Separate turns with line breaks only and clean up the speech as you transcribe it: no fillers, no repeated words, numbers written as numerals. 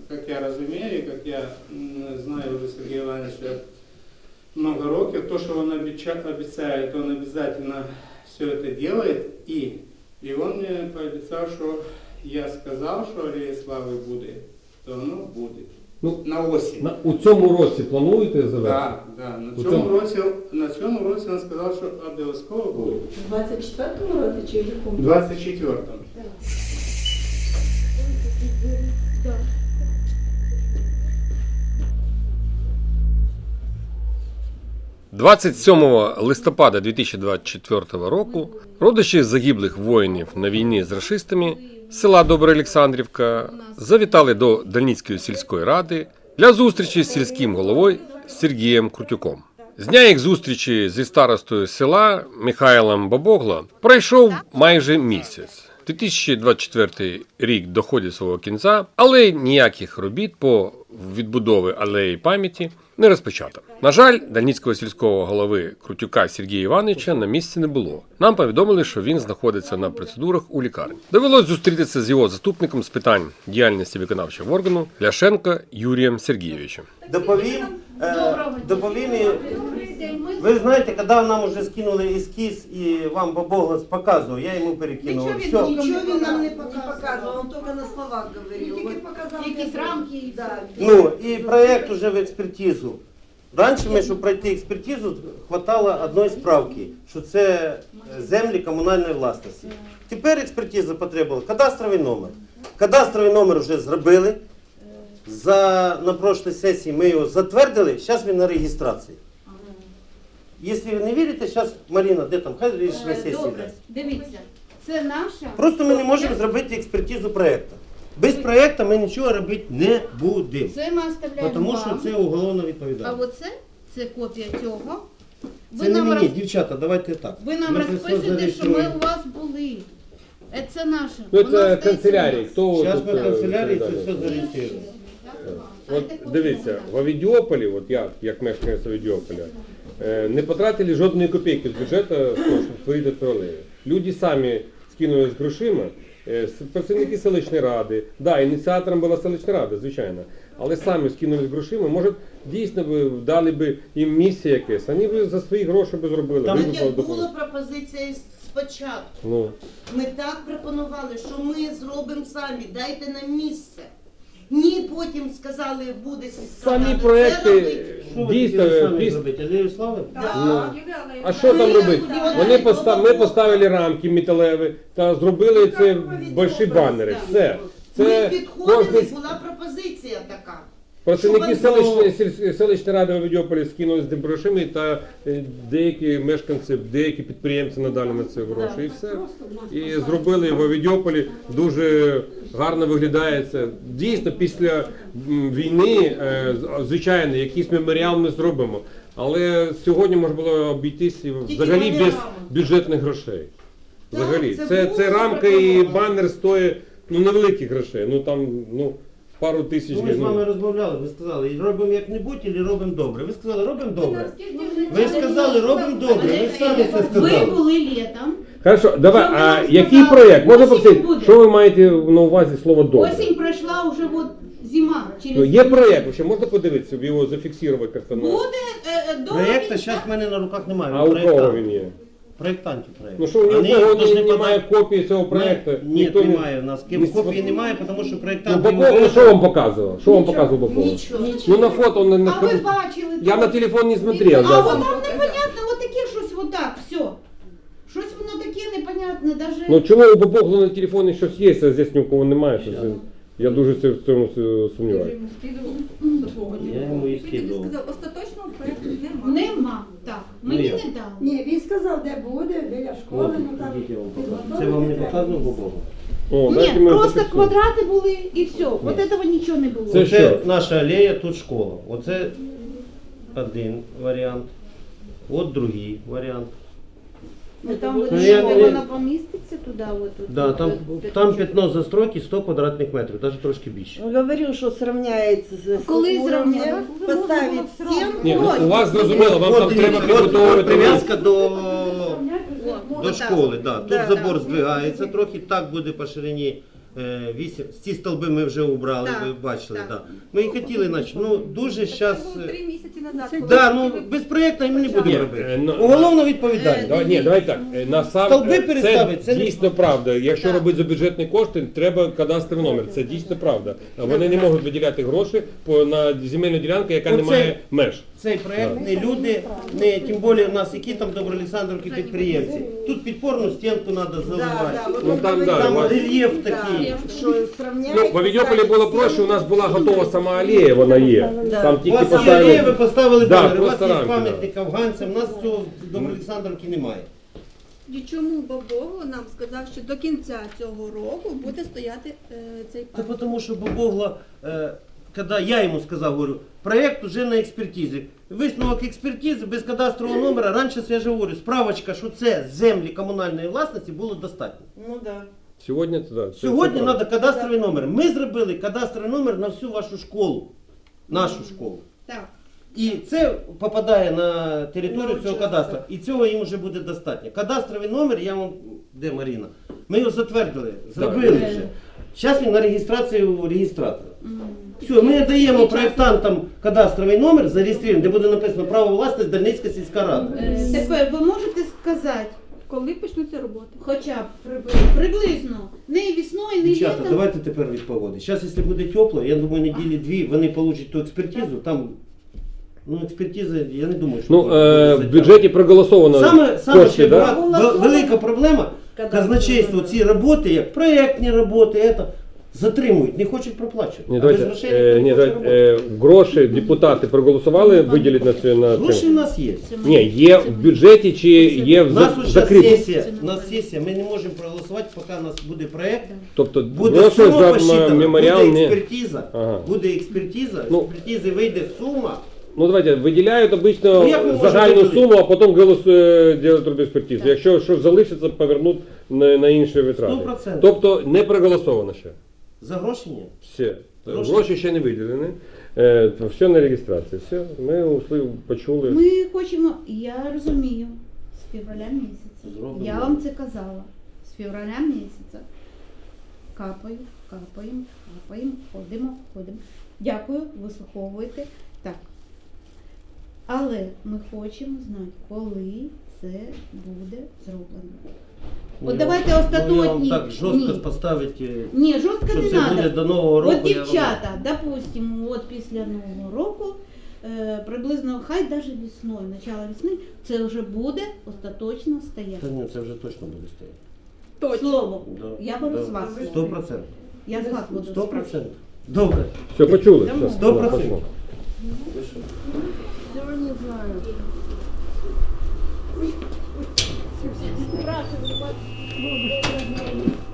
как я разумею, как я знаю уже Сергея Ивановича много років, то, что он обещает, он обязательно все это делает, и он мне пообещал, что я сказал, что Аллея Слави буде, то воно буде.
Ну,
на осінь.
У цьому році плануєте завершити?
Так, да, на цьому році він сказав, що обов'язково буде.
У 24-му році чи в якому?
24-му.
27 листопада 2024 року родичі загиблих воїнів на війні з рашистами села Добра Олександрівка завітали до Дальницької сільської ради для зустрічі з сільським головою Сергієм Крутюком. З дня їх зустрічі зі старостою села Михайлом Бабогло пройшов майже місяць. 2024 рік доходить свого кінця, але ніяких робіт по відбудові алеї пам'яті не розпочато. На жаль, дальницького сільського голови Крутюка Сергія Івановича на місці не було. Нам повідомили, що він знаходиться на процедурах у лікарні. Довелось зустрітися з його заступником з питань діяльності виконавчого органу Ляшенко Юрієм Сергійовичем.
Доповім. Ви знаєте, коли нам уже скинули ескіз і вам Бабогло показував, я йому перекинув.
Нічого він нам не показував, він тільки на словах говорив. Тільки показав якісь рамки.
Ну, і проєкт уже в експертизу. Раніше ми, щоб пройти експертизу, хватало одної справки, що це землі комунальної власності. Тепер експертиза потребувала кадастровий номер. Кадастровий номер вже зробили. На прошлій сесії ми його затвердили, зараз він на реєстрації. Якщо ви не вірите, зараз Маріна, де там, хай рішення сесії дасть.
Дивіться, це наша...
Просто ми не можемо зробити експертизу проєкту. Без проєкту ми нічого робити не будемо.
Це ми оставляємо
Тому
вам.
що це уголовна
А
відповідальність.
це копія цього.
Це не мені, дівчата, давайте так.
Ви нам
Ми це все
розписуєте, що ми
зареєструємо.
у вас були. Це наше.
Ну,
Воно
це
остається
канцелярії.
у нас.
Хто
Зараз
тут,
ми в канцелярії це
відповідальний?
все зареєструємо.
От дивіться, в Авідіополі, от я, як мешканець Авідіополя, не потратили жодної копійки з бюджету, щоб створити цю алею. Люди самі скинулись грошима, працівники селищної ради, да, ініціатором була селищна рада, звичайно, але самі скинулись грошима, може, дійсно би дали б їм місце якесь, вони б за свої гроші б зробили.
Там
Так як була пропозиція спочатку.
Ну.
Ми так пропонували, що ми зробимо самі, дайте нам місце. Ні, потім сказали, буде сільська рада.
Самі
Це
проекти
робити.
Що ви
дійсно,
хотіли самі
після...
зробити? Алею Слави?
Да.
А що там робити? Ми поставили рамки металеві та зробили це великі банери. Все.
Ми
Це
підходили,
кожний
була пропозиція така.
працівники
Щоб
селищної ради в Авідіополі скинули з грошима та деякі мешканці, деякі підприємці надали на це гроші. І все. І зробили в Авідіополі, дуже гарно виглядає це. Дійсно, після війни, звичайно, якийсь меморіал ми зробимо. Але сьогодні можна було обійтись взагалі без бюджетних грошей. Взагалі. Це рамка і банер стоїть невеликих грошей. Ну там, пару тисяч
Ми з
гривень.
вами розмовляли, ви сказали, робимо як-небудь або робимо добре. Ви сказали, робимо добре. Ви сказали, робимо добре, ви самі це
Ви
сказали.
були літом.
Хорошо, давай,
Що ви
а
нам
який
сказали?
проєкт? Можна
Осінь
попросити,
буде.
що ви маєте на увазі слово добре?
Осінь пройшла, вже от зима.
Ну, є проєкт, вообще, можна подивитися, його зафіксувати як-то на...
Буде
Проєкту зараз в мене на руках немає.
А у кого він є?
Проєктантів проєкту.
Ну що, у нікого немає копії цього проєкту?
Ні,
Ніхто не-
немає. У нас копії немає, тому що
Ну,
проєктант...
Бабогло, що вам показував? Що вам показував Бабогло?
Нічого.
Ну на фото он не
А ви бачили?
Я
там?
на телефон не смотрел.
А
да.
от там непонятно, от таке щось отак, все. Щось воно таке непонятне, даже...
Ну чому у Бабогло на телефоні щось є, а здесь ні у кого немає? Щось? Я дуже в цьому сумніваюся.
Я йому і скидував.
Остаточного проєкту немає.
Нема, так. Мені
як?
не дали.
Ні, він сказав, де буде, біля школи, ну там.
Ідіть, я вам покажу. Це вам не показував Бабогло?
О,
Ні,
дайте ми
просто
зафіксуємо.
квадрати були і все. От этого нічого не було.
Це
Оце
що?
наша алея, тут школа. Оце один варіант. От другий варіант.
Ну, там
Ну,
буде,
я
що
не-
вона поміститься туди, от тут.
Да, там пятно застройки 100 квадратних метрів, навіть трошки більше.
Говорил, что сравняется с
Коли
уровнем,
зрівняє?
поставить стену.
Ні, ну, у вас зрозуміло, вам там
От
треба
дивіться, от
прибудовувати.
прив'язка до
О,
школи. Да. Тут
Да,
забор
да.
здвигається трохи, так буде по ширині 8, ці столби ми вже убрали,
Так,
ви бачили.
так.
Да. Ми і хотіли, значить, ну дуже зараз...
Це було 3 місяці назад. коли
Да, ну
ви
без проєкту ми не будемо
Ні,
робити.
ну,
Уголовна відповідальність.
Давай так.
Столби
Це
переставити, це не-
дійсно правда. Якщо
Так.
робити за бюджетні кошти, треба кадастровий номер. Це дійсно правда. А вони не можуть виділяти гроші на земельну ділянку, яка не
Оце-
має меж.
Цей проект не люди, не тим більше у нас які там Доброолександрівки підприємці. Тут підпорну стінку треба заливати.
Ну там да.
Там
у вас-
рельєф такий.
Что сравняется.
Ну, в Авідьополі було проще, у нас була готова сама алея, вона є. Там
У
тільки
вас є алея, ви
поставили.
поставили
Да,
банер, у вас
просто
є
рамки,
пам'ятник афганцям, у нас цього в Доброолександрівці немає.
І чому Бабогло нам сказав, що до кінця цього року буде стояти цей
Та
парк?
тому що Бабогло, коли я йому сказав, говорю, проєкт вже на експертизі. Висновок експертизи без кадастрового номера, раніше я ж говорю, справочка, що це землі комунальної власності було достатньо.
Ну да.
Сьогодні це да, це
Сьогодні
правда.
треба кадастровий номер. Ми зробили кадастровий номер на всю вашу школу. Нашу школу.
Так.
І це попадає на територію цього кадастру. І цього їм вже буде достатньо. Кадастровий номер, я вам, де Маріна? Ми його затвердили, зробили вже. Зараз він на реєстрацію у реєстратора. Все, ми даємо проєктантам кадастровий номер, зареєструємо, де буде написано право власності Дальницька сільська рада.
Тепер ви можете сказати,
Коли почнуться роботи?
хоча б приблизно, не весною, не
Дівчата,
літом.
давайте тепер від погоди. Зараз, якщо буде тепло, я думаю, неділі дві вони получать ту експертизу. Там, ну, експертиза, я не думаю, що
Ну,
буде
в
затягнуто.
бюджеті проголосовано
Саме
кошти, да?
велика проблема, казначейство, ці роботи, як проєктні роботи, это, затримують, не хочуть проплачувати.
Ні,
А
давайте,
без грошей
ні,
не хочуть
давайте,
роботи.
гроші депутати проголосували виділити на цю на
Гроші в
цьому?
нас є.
Ні, є в бюджеті чи є
У
в
нас уже
закритому?
сесія, у нас сесія, ми не можемо проголосувати, поки у нас буде проєкт.
Тобто
Буде
гроші
сума
за
посчитана,
меморіал
буде
не...
експертиза,
Ага.
буде експертиза,
Ну.
з експертизи вийде сума.
Ну давайте, виділяють обично
Ну, як ми можемо
загальну
виділити?
суму, а потім роблять експертизу. Якщо щось залишиться, повернуть на інші витрати.
100%.
Тобто не проголосовано ще.
За гроші ні.
Все.
Гроші?
Гроші ще не виділені. Все на реєстрації. Все. Ми почули.
Ми хочемо, я розумію, з февраля місяця.
Зробимо.
Я вам це казала. З февраля місяця. Капаємо, ходимо. Дякую, вислуховуєте. Так. Але ми хочемо знати, коли це буде зроблено. От давайте
Ну, я вам
остаточні.
так жорстко поставити,
Ні, жорстко
що
не
це буде
треба.
до Нового року.
От
я вам-
дівчата, допустимо, от після Нового року, приблизно, хай навіть весною, начало весни, це вже буде остаточно стояти.
Та ні, це вже точно буде стояти.
Точно.
Слово.
Да.
Я беру
Да.
з вас.
100%.
Я з вас буду
100%. Добре.
Все, почули. Все.
100%.
Пошло.
Всё не знаю.
Спрашивали вас.